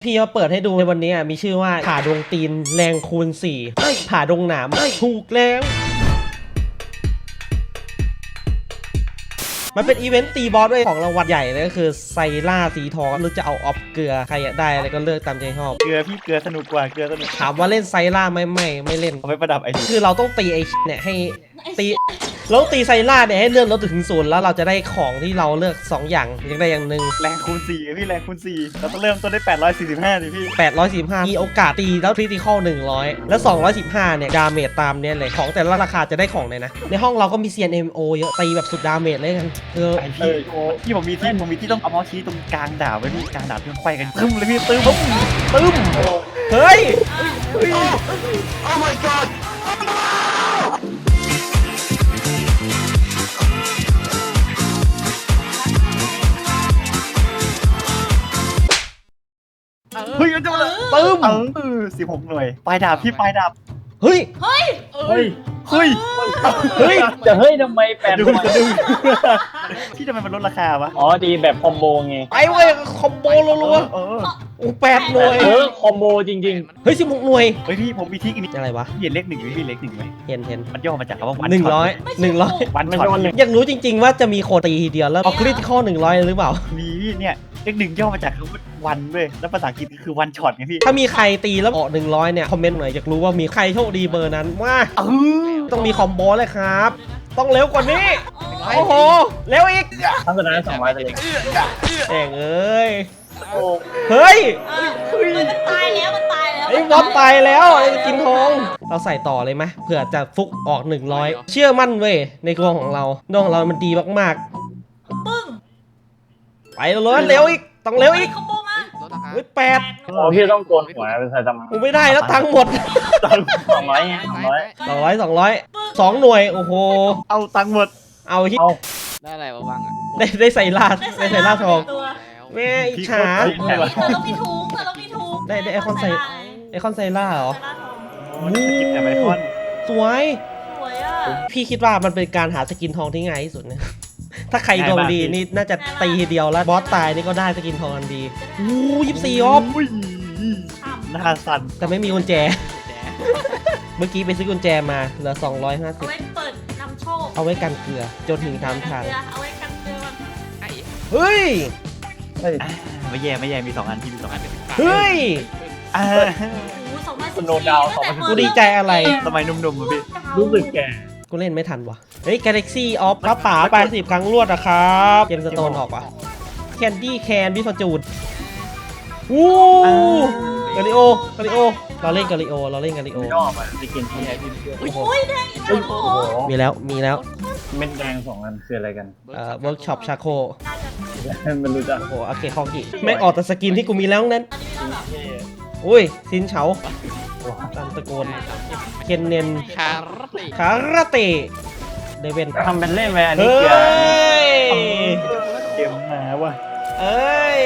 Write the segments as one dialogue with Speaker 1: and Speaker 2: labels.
Speaker 1: พี่มาเปิดให้ดูในวันนี้มีชื่อว่าผ่าดวงตีนแรงคูณ4ผ่าดวงหนามถูกแล้วมันเป็นอีเวนต์ตีบอสด้วยของรางวัลใหญ่เลยก็คือไซล่าสีทองหรือจะเอาออฟเกลือใครอยากได้อะไรก็เลือกตามใจชอบ
Speaker 2: เกลือพี่เกลือสนุกกว่าเกลือสนุก
Speaker 1: ถามว่าเล่นไซล่าไม่เล่น
Speaker 2: เอาไปประดับไอ้นี่
Speaker 1: คือเราต้องตีไอ้เนี่ยให้ตีเราตีไซล่าเนี่ยให้เลื่อนลดถึง0แล้วเราจะได้ของที่เราเลือก2อย่างยังได้อย่างหนึ่ง
Speaker 2: แรงคูณ4พี่แรงคูณ4เราต้องเริ่มต้นได้845ดิพี่
Speaker 1: 845มีโอกาสตีแล้วคริติคอล100แล้ว215เนี่ยดาเมจตามเนี่ยเลยของแต่ละราคาจะได้ของเลยนะในห้องเราก็มี CNMO เยอะตีแบบสุดดาเมจเลยกันคือ
Speaker 2: ไอพี่ผมมีที่ต้องเอาเมาส์ชี้ตรงกลางดาบไว้พี่กลางดาบที่มันไขว้กันตึ้มเลยพี่ตึ้ม
Speaker 1: ตึ้มเฮ้ย
Speaker 3: Oh my god!
Speaker 2: เฮ้ยมันจะมาเลย
Speaker 1: ตึ้ม
Speaker 2: 16 หน่วยปลายดาบพี่ปลายดาบ
Speaker 1: เฮ้ย
Speaker 2: เฮ้ย
Speaker 1: เฮ้ย
Speaker 4: จะเฮ้ยทำไมแปด
Speaker 2: ดู
Speaker 4: หน่วย
Speaker 2: ดูพี่ทำไมมันลดราคาวะ
Speaker 4: อ๋อดีแบบคอมโบไง
Speaker 1: ไปเว้ยคอมโบรัว
Speaker 2: เออ
Speaker 1: ๆโอ้8หน่วย
Speaker 4: คอมโบจริง
Speaker 1: เฮ้ย16หน่วย
Speaker 2: เฮ้ยพี่ผมมีทริคอีกนิด
Speaker 1: อะไรวะ
Speaker 2: พี่เห็นเลขหนึ่งไหมพี่เลขหนึ่งไหม
Speaker 1: เห็น
Speaker 2: มันย่อมาจากคำว่าวัน
Speaker 1: 100
Speaker 2: วันช็อต
Speaker 1: อยากรู้จริงๆว่าจะมีโคตีทีเดียวแล้วเอาคริติคอล100หรือเปล่า
Speaker 2: มีพี่เนี่ยเลขหนึ่งย่อมาจากคำว่าวันด้วยแล้วภาษาอังกฤษก็คือวันช็อตไงพี่
Speaker 1: ถ้ามีใครตีแล้วออก100เนี่ยคอมเมนต์หน่อยอยากรู้ว่ามีใครโชคดีเบอร์นั้นว่าต้องมีคอมโบเลยครับ ต้องเร็วกว่านี้โอ้โหเร็วอีก
Speaker 4: ๆทั้งสุดท้าย200เลย
Speaker 1: แองเอ้ยเฮ้ย
Speaker 5: มันตายแล้วมันตายแล้ว
Speaker 1: ไอ้บอสตายแล้วไอ้กินทองเราใส่ต่อเลยไหมเผื่อจะฟุกออก100เชื่อมั่นเว้ยในดวงของเราดวงของเรามันดีมาก
Speaker 5: ปึ้ง
Speaker 1: ๆไปเลยเร็วอีกต้องเร็วอีก
Speaker 5: คอมโบมา
Speaker 1: เฮ้ย8
Speaker 4: โอ้พี่ต้องโกนหัวเป็นไซตามะ
Speaker 1: กูไม่ได้แล้วตังค์หมด
Speaker 4: 200ไง200
Speaker 1: 200 2หน่วยโอ้โห
Speaker 2: เอาตังค์หมด
Speaker 1: เอาที่
Speaker 4: เอา
Speaker 6: ได้อะไรมาบ้างอ่ะ
Speaker 1: ได้ใส่ลาดได้ใส่ลาดทอง
Speaker 5: ตัว
Speaker 1: แม่อิจฉา
Speaker 5: เธอต้องมีทุงเธอต้องมีทุง
Speaker 1: ได้ไอคอนไซล่าเหรอ
Speaker 2: มันสกิปแอบไอคอน
Speaker 1: สวย
Speaker 5: สวยอ่ะ
Speaker 1: พี่คิดว่ามันเป็นการหาสกินทองที่ง่ายที่สุดเนี่ย ถ้าใครดวงดีนี่น่าจะตีทีเดียวแล้วบอสตายนี่ก็ได้สกินทองทันที24ออฟ
Speaker 2: อุ้ยหน้าสั่น
Speaker 1: แต่ไม่มีกุญแจ เมื่อกี้ไปซื้อกุญแจมาเหลือ
Speaker 5: เอาไว้
Speaker 1: 250
Speaker 5: เปิดนำโชค
Speaker 1: เอาไว้กันเกลือจนถึงทางทาง
Speaker 5: เอาไว้กันเกลือมัน
Speaker 1: เฮ้ย
Speaker 2: ไม่แย่มี2 อันที่มี2 อัน
Speaker 1: เฮ้ย
Speaker 5: โอ้โห2014
Speaker 1: กูดีใจอะไร
Speaker 2: สมัยหนุ่มๆอะพี่
Speaker 4: รู้สึกแก่
Speaker 1: กูเล่นไม่ทันวะเฮ้ย Galaxy of กระป๋าไป10 ครั้งรวดนะครับเกมสโตนออกวะแคนดี้แคนพี่ฟอร์จูนวู้กาลิโอกาลิโอเราเล่นกาลิโอเราเล่นกาลิโอ
Speaker 4: ชอบอ่ะจะกินที่ไหนพี่เพื่อน
Speaker 5: โอ้ยแดงอีกแล้วโอ้โห
Speaker 1: มีแล้ว
Speaker 4: เม็ดแดง2 อันคืออะไรกัน
Speaker 1: เวิร์กช็อปชาโค
Speaker 5: น่าจะ
Speaker 4: ไม่รู้จัก
Speaker 1: โอ้โหโอเคคองกิไม่ออกแต่สกินที่กูมีแล้วนั้น
Speaker 5: อันนี้ไม่ต้องหรอ
Speaker 1: อุ้ยซินเฉาตามตะโกนเคนเนน
Speaker 6: คาร์ติ
Speaker 1: คาราเตะเดเวน
Speaker 4: ทำเป็นเล่นไปอันนี้
Speaker 1: เฮ้
Speaker 4: เกลือย
Speaker 2: เกมมาว่ะ
Speaker 1: เอ้ย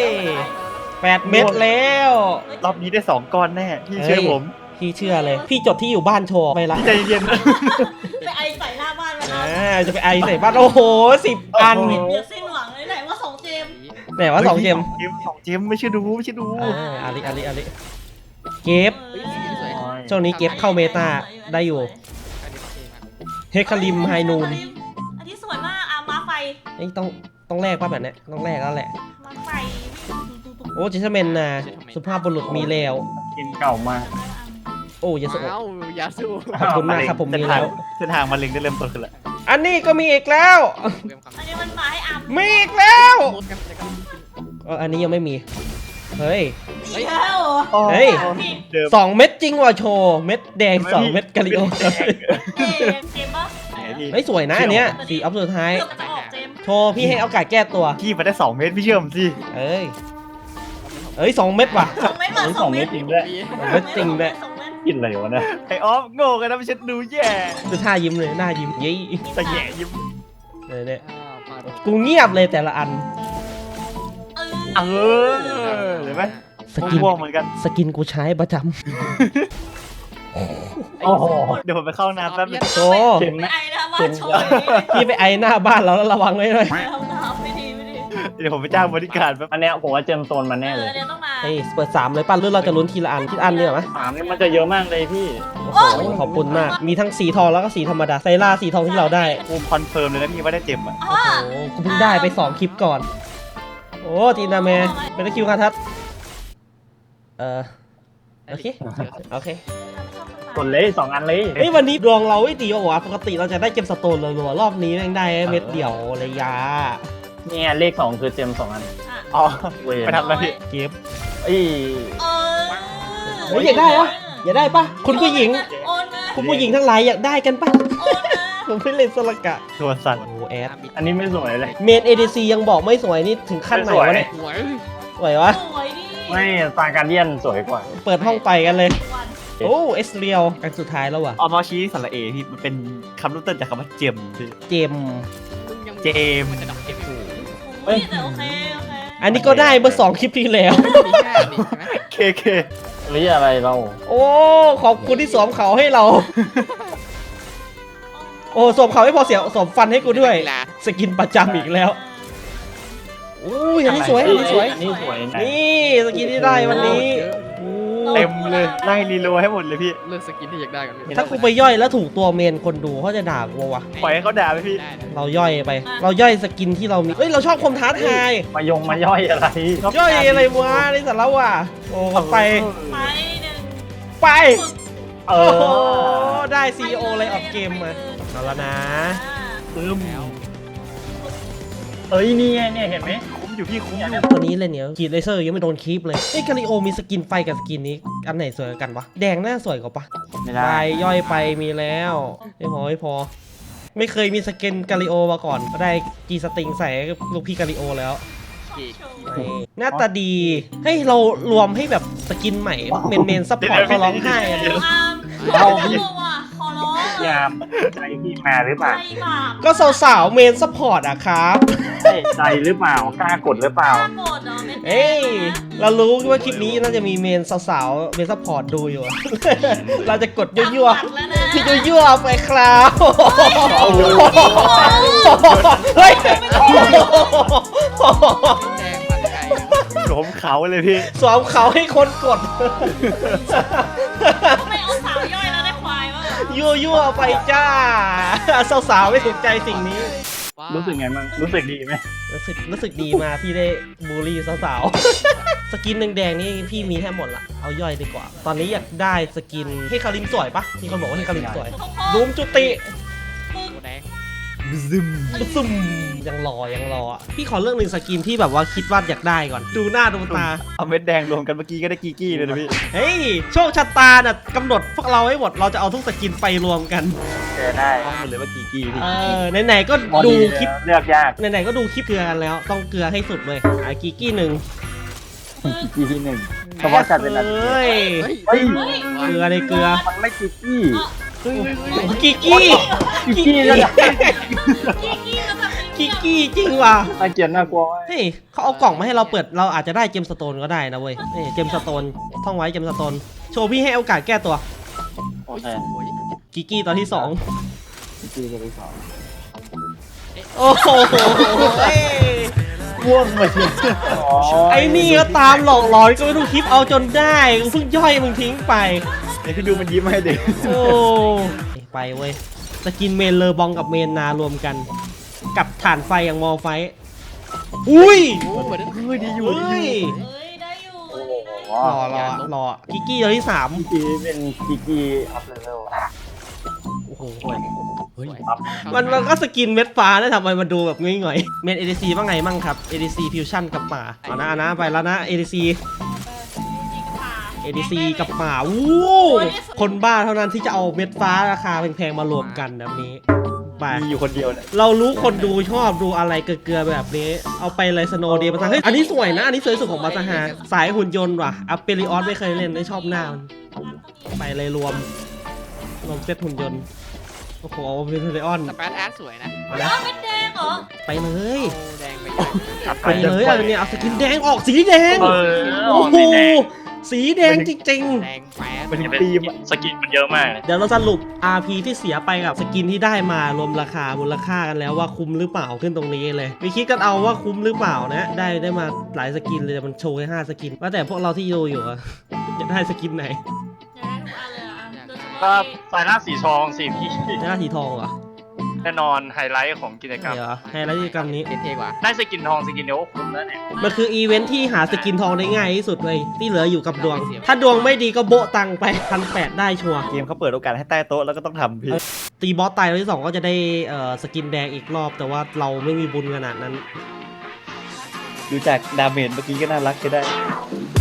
Speaker 1: 8 เม็ดแล้ว
Speaker 2: รอบนี้ได้2 ก้อนแน่พี่เชื่อผม
Speaker 1: พี่เชื่อเลย พี่จดที่อยู่บ้านโชว์ไปละ
Speaker 2: ใจเย็น
Speaker 5: ไปไอใส่หน้าบ้านมา
Speaker 1: จะไปไอใส่บ้านโอ้โห10 อัน
Speaker 5: เดี๋ยวสิ้นหวังเลยไหนว่า2เจม
Speaker 1: ไหนว่า2 เกม
Speaker 2: 2 เกมไม่ใช่ดู
Speaker 1: อาลิเก็บช่วงนี้เก็บเข้าเมตาได้อยู่เฮคาริมไฮนูน
Speaker 5: อันนี้สวยมากอ่ะมาไฟ
Speaker 1: นี่ต้องแลกป่ะแบบเนี้ยต้องแลกแล้วแหละ
Speaker 5: มาไฟ
Speaker 1: โอ้เจสเมนนะสุภาพบุรุษมีแล้ว
Speaker 4: กินเก่ามาก
Speaker 1: โอ้ยาสุโอะ
Speaker 6: อ้าวยาสู
Speaker 1: ขอบคุณมากครับผมมีแล้ว
Speaker 2: เส้นทางมาเล็งได้เริ่มต้นขึ้นแล้ว
Speaker 1: อันนี้ก็มีอีกแล้ว
Speaker 5: อันนี้มันมาให้อาร์ม
Speaker 1: มีอีกแล้ว
Speaker 6: มุดกันจะกัน
Speaker 1: อันนี้ยังไม่มีเฮ้ย
Speaker 5: แล้ว
Speaker 1: เฮ้ย
Speaker 2: เดิม
Speaker 1: 2 เม็ดจริงว่ะโชว์เม็ดแดง 2 เม็ดกะลิโอ
Speaker 5: เจมปะ
Speaker 1: เฮ้ยสวยนะอันเนี้ยสีอัพสุดท้าย
Speaker 5: เกือบจะออกเจม
Speaker 1: โชว์พี่ให้โอกาสแก้ตัว
Speaker 2: พี่มาได้2 เมตรพี่เชื่อผมสิ
Speaker 1: เอ้ย2 เม็ดว่ะ
Speaker 5: 2 เม็ดมา
Speaker 4: นี่
Speaker 5: 2
Speaker 4: 2
Speaker 5: เม็
Speaker 4: เม็
Speaker 5: ด
Speaker 4: ดจริงด้วย
Speaker 1: เม็ดจริงด้วย
Speaker 5: 2 เม็ด
Speaker 4: กินอะไรวะเนี่ย
Speaker 2: ไอออฟโง่กันนะไม่ใช่ดูแย่
Speaker 1: ดูท่ายิ้มเลยหน้ายิ้มยี่
Speaker 2: แต่แย่ยิ้ม
Speaker 1: เนี่ย
Speaker 6: มา
Speaker 1: กูเงียบเลยแต่ละอัน
Speaker 2: เออเห็นไหม
Speaker 1: สกิน
Speaker 2: ม่วงเหมือนกัน
Speaker 1: สกินกูใช้ประจ
Speaker 4: โอ้โห
Speaker 2: เดี๋ยวผมไปเข้าน้ำแป๊บนึง
Speaker 1: ำโช
Speaker 4: เข็มไหม
Speaker 5: ไอ้นะมาโชว์
Speaker 1: พี่ไปไอหน้าบ้านเราแล้วระวังไว้ด้วย
Speaker 5: ห้องน้ำไม่ดี
Speaker 2: เดี๋ยวผมไปจ้างบริการแป๊บ
Speaker 4: อันเนี้ยผมว่าเจมโซนมาแน่เลย
Speaker 5: เดี๋ยวต้องมา
Speaker 1: เอ้ยเปิด3เลยป่ะหรือเราจะลุ้นทีละอันทีละอันเนี่ยไหม
Speaker 4: 3นี่มันจะเยอะมากเลยพี่
Speaker 1: โอ้โหขอบคุณมากมีทั้งสีทองแล้วก็สีธรรมดาไซร่าสีทองที่เราได้
Speaker 2: กูคอนเฟิร์มเลยนะพี่ว่าได้เจ็บอ่ะ
Speaker 1: โอ้โหกูเพิ่งได้ไป2คลิปก่อนโอ้จีนาแมเป็นตะคิวคาทัศโอเคโอเค
Speaker 4: กดเลย2อันเลย
Speaker 1: เฮ้ยวันนี้ดวงเราไม่ดีว่ะปกติเราจะได้เกมสโตนรัวๆรอบนี้แม่งได้เม็ดเดียวเลยยา
Speaker 4: เนี่ยเลข2คือเจม2อัน
Speaker 2: อ๋อ
Speaker 4: เวร
Speaker 2: ไปทำอะไรพี่
Speaker 1: เก็บ
Speaker 4: เอ้ย
Speaker 1: เฮ้ยอยากได้ปะอยากได้ปะคุณผู้หญิง
Speaker 5: โอนมา
Speaker 1: คุณผู้หญิงทั้งหลายอยากได้กันปะ
Speaker 5: โอนมา
Speaker 1: ผมไม่เล่นสลักกะ
Speaker 2: ตัวสั่น
Speaker 1: โอ้แอด
Speaker 4: อันนี้ไม่สวยเลย
Speaker 1: เมน ADC ยังบอกไม่สวยนี่ถึงขั้นไหนวะเนี่ย
Speaker 6: หวย
Speaker 1: สวยวะ
Speaker 5: สวยดิ
Speaker 4: ไม่ซาการเดียนสวยกว่า
Speaker 1: เปิดห้องไปกันเลย
Speaker 5: วัน
Speaker 1: โอ้เอสเรียวอันสุดท้ายแล้วว่ะ
Speaker 2: ออมอชี้สระเอพี่มันเป็นคำรุ่นต้นจากคำว่าเจมพี่
Speaker 1: เจม
Speaker 6: มึงยัง
Speaker 2: เจม
Speaker 6: มันจะดับเจ็บอยู่
Speaker 5: โอ้ยแต่โอเคโอเค
Speaker 1: อันนี้ก็ได้เมื่อ2คลิปที่แล้ว
Speaker 6: มีแค่นี้ใช่ไหม
Speaker 2: เค
Speaker 4: หรืออะไรเรา
Speaker 1: โอ้ขอบคุณที่สวมเขาให้เรา โอ้สวมเขาไม่พอเสียสวมฟันให้กูด้วย
Speaker 6: กีฬา
Speaker 1: สกินประจำอีกแล้วอู้ยอันนี้สวยอันนี้สวย
Speaker 4: อันนี้สวยนะ
Speaker 1: นี่สกินที่ได้วันนี้อู้
Speaker 2: เต็มเลยไล่รีโลให้หมดเลยพี่
Speaker 6: เลือกสกินที่อยากได้กัน
Speaker 1: ถ้ากูไปย่อยแล้วถูกตัวเมนคนดูเขาจะด่ากูวะ
Speaker 2: ปล่อยให้เขาด่าไปพี่
Speaker 6: ได้นะ
Speaker 1: เราย่อยไป เราย่อยสกินที่เรามีเฮ้ยเราชอบความท้าทาย
Speaker 4: มาย่อยอะไร
Speaker 1: ย่อยอะไรวะในสาระว่ะโอ้ไป
Speaker 5: ไปหนึ่ง
Speaker 1: ไป
Speaker 4: เอ
Speaker 1: โอ้โห
Speaker 4: อ
Speaker 1: ได้ CEO เลยออกเกมมาเอาละนะ
Speaker 2: ปึ้ม
Speaker 4: เอ้ยนี่ไงเนี่ยเห็นไหม
Speaker 2: คุ้มอยู่พี่คุ้มอยู่
Speaker 1: ตัวนี้เลยเนี่ยกรีดเลเซอร์ยังไม่โดนคีปเลยไอ้กาลิโอมีสกินไฟกับสกินนี้อันไหนสวยกว่ากันวะแดงน่าสวยกว่าปะ
Speaker 2: ไม่
Speaker 1: ไป
Speaker 2: ได้
Speaker 1: ย่อยไปมีแล้วไม่พอไม่พอ ไม่เคยมีสกินกาลิโอมาก่อนก็ได้กีสติงใส่ให้ลูกพี่กาลิโอแล้ว
Speaker 6: เก๋
Speaker 1: นี่หน้าตาดีให้เรารวมให้แบบสกินใหม่เมนซัพพอร์ตเขาร้องไห้กันเลย
Speaker 5: เอาว่ะขอร้อง
Speaker 4: ยามใจพี่มาหรือเป
Speaker 5: ใจ
Speaker 4: ล่า
Speaker 5: บาป
Speaker 1: ก็สาวๆเมนซัพพอร์ตอะครับ
Speaker 4: ใจหรือเปล่ากล้ากดหรือเปล่า
Speaker 5: ข้าโกรธเหรอเม็ด
Speaker 1: เอ้ยเรารู้ว่าคลิปนี้น่าจะมีเมนสาวๆเมนซัพพอร์ตดูอยู่ เราจะกดยั่ว
Speaker 5: ๆแล้วนะ
Speaker 1: ๆที่ยั่วๆไปครับเฮ้ย
Speaker 6: แดงมาไกล
Speaker 2: หลมเขาเลยพี่
Speaker 1: สวมเขาให้คนกด
Speaker 5: ทำไมเอาสาวย่อยแล้วได้ควายวะ
Speaker 1: ยั่วๆไปจ้าสาวๆไม่ถูกใจสิ่งนี้
Speaker 4: รู้สึกไงบ้างรู้สึกดีไหม
Speaker 1: รู้สึกดีมาที่ได้บูลลี่สาวๆ สกินแดงๆนี่พี่มีแทบหมดละเอาย่อยดีกว่า ตอนนี้อยากได้สกินให้คาริมสวยปะมีคนบอกว่าให้คาริมสวยรูมจุติ
Speaker 6: ตัวแดง
Speaker 1: ซุ่มยังรออ่ะพี่ขอเรื่องหนึ่งสกินที่แบบว่าคิดว่าอยากได้ก่อน ดูหน้าดูตา
Speaker 2: เอาเม็ดแดงรวมกันเมื่อกี้ก็ได้กีกี้เลยนะพี่
Speaker 1: เฮ้ยโชคชะตาน่ะกำหนดพวกเราให้หมดเราจะเอาทุกสกินไปรวมกัน
Speaker 4: เจอได้
Speaker 2: ต้องหมดเลยว่ากีกี้พี่
Speaker 1: ไหนๆก็ดูคลิป
Speaker 4: เลือกยาก
Speaker 1: ไหนๆก็ดูคลิปเกลือกันแล้วต้องเกลือให้สุดเลยกีกี้หนึ่ง
Speaker 4: กีที่หนึ่งเฉพาะจัดเป็นอัน
Speaker 1: เฮ้ย
Speaker 4: เฮ้ย
Speaker 1: เกลือในเกลือ
Speaker 4: มันไม่กีกี้
Speaker 1: กีกี้
Speaker 4: กีกี้แล้วนะ
Speaker 5: กี้แล้วแบบ
Speaker 1: กีกี้จริงว่ะ
Speaker 4: น่าเกลียดน่ากลัวเว้ย
Speaker 1: เฮ้ยเขาเอากล่องมาให้เราเปิดเราอาจจะได้เจมสโตนก็ได้นะเว้ยนี่เจมสโตนท่องไว้เจมสโตนโชว์พี่ให้โอกาสแก้ตัว
Speaker 4: โอเค
Speaker 1: กิกกี้ตอนที่
Speaker 4: กีกี้ตัวที่สอง
Speaker 1: 2 โอ้โห
Speaker 4: ม่วงมาที
Speaker 1: ไอ้นี่ก็ตามหลอกหลอนก็ไม่ดูคลิปเอาจนได้เพิ่งย่อยมึงทิ้งไป
Speaker 2: เดี๋ยวพี่ดูมันยิ้มให้เด็ก
Speaker 1: โอ้ไปเว้ยสกินเมนเลอบองกับเมนนารวมกัน กับฐานไฟอย่างมอลไฟอุ้ย
Speaker 6: โอ้เหมือน
Speaker 2: เฮ้ยดีอยู่
Speaker 1: เฮ้ย
Speaker 5: เอ้ยได้อยู่
Speaker 1: รอกิกกี้ตัวที่
Speaker 4: กีกี้เป็นกีกี้อัพเลเวล
Speaker 1: 3โอ้โห
Speaker 6: เฮ้ย
Speaker 1: มันก็สกินเม็ดฟ้าแล้วทำไมมันดูแบบง่อยๆเมน ADC ว่าไงมั่งครับ ADC Fusion กับป่าเอานะไปแล้วนะ ADC ADC กับป่าวู้คนบ้าเท่านั้นที่จะเอาเม็ดฟ้าราคาแพงๆมารวมกันแบบนี้ไป
Speaker 2: มีอยู่คนเดียวเนี่ย
Speaker 1: เรารู้คนดูชอบดูอะไรเกลือๆแบบนี้ เอาไปเลยสโนว์เดย์มาซะเฮ้ยอันนี้สวยนะ อันนี้สวยสุดของมาซาฮาสายหุ่นยนต์ว่ะอัปเปริออสไม่เคยเล่นไม่ชอบหน้ามันไปเลยรวมเซตหุ่นยนต์โอ้โหเอาเปริออน
Speaker 6: สเปซอาร์ตสวยนะ
Speaker 1: เอาละ
Speaker 5: อ้าวเป็นแดงเหรอ
Speaker 1: ไปเลย
Speaker 6: โอ้แดงไป
Speaker 1: ไปเลยเอาเนี่ยเอาสกินแดงออกสีแดง
Speaker 4: เออ
Speaker 1: โอ้โหสีแดงจริง
Speaker 6: แดงแป๊บ
Speaker 2: เป็นทีมอะ
Speaker 3: สกินมันเยอะมากเลย
Speaker 1: ๆ เดี๋ยวเราสรุป RP ที่เสียไปกับสกินที่ได้มารวมราคามูลค่ากันแล้วว่าคุ้มหรือเปล่าขึ้นตรงนี้เลยไปคิดกันเอาว่าคุ้มหรือเปล่านะได้มาหลายสกินเลยมันโชว์แค่5สกินว่าแต่พวกเราที่ดูอยู่อะ จะได้สกินไหน
Speaker 5: อยากได้ทุกอันเลยอ่ะโดยเฉ
Speaker 3: ก็
Speaker 5: พาะ
Speaker 3: สายหน้าสีทองสิพี่
Speaker 1: หน้าสีทองเหรอ
Speaker 3: แน่นอนไฮไลท์ของกิจกรรม
Speaker 1: เหรอไฮไลท์กิจกรรมนี้
Speaker 6: เท่ๆกว่า
Speaker 3: ได้สกินทองสกินเดียวก็คุ้มแล้วเนี่ย
Speaker 1: มันคืออีเวนท์ที่หาสกินทองได้ง่ายที่สุดเลยที่เหลืออยู่กับดวง ถ้าดวงไม่ดีก็โบะตังไป1,800ได้ชัวร์
Speaker 2: เกมเขาเปิดโอกาสให้ใต้โต๊ะแล้วก็ต้องทำพี่
Speaker 1: ตีบอสตายรอบที่ 2ก็จะได้สกินแดงอีกรอบ แต่ว่าเราไม่มีบุญขนาดนั้น
Speaker 2: ดูจากดาเมจเมื่อกี้ก็น่ารักใช้ได้
Speaker 1: เ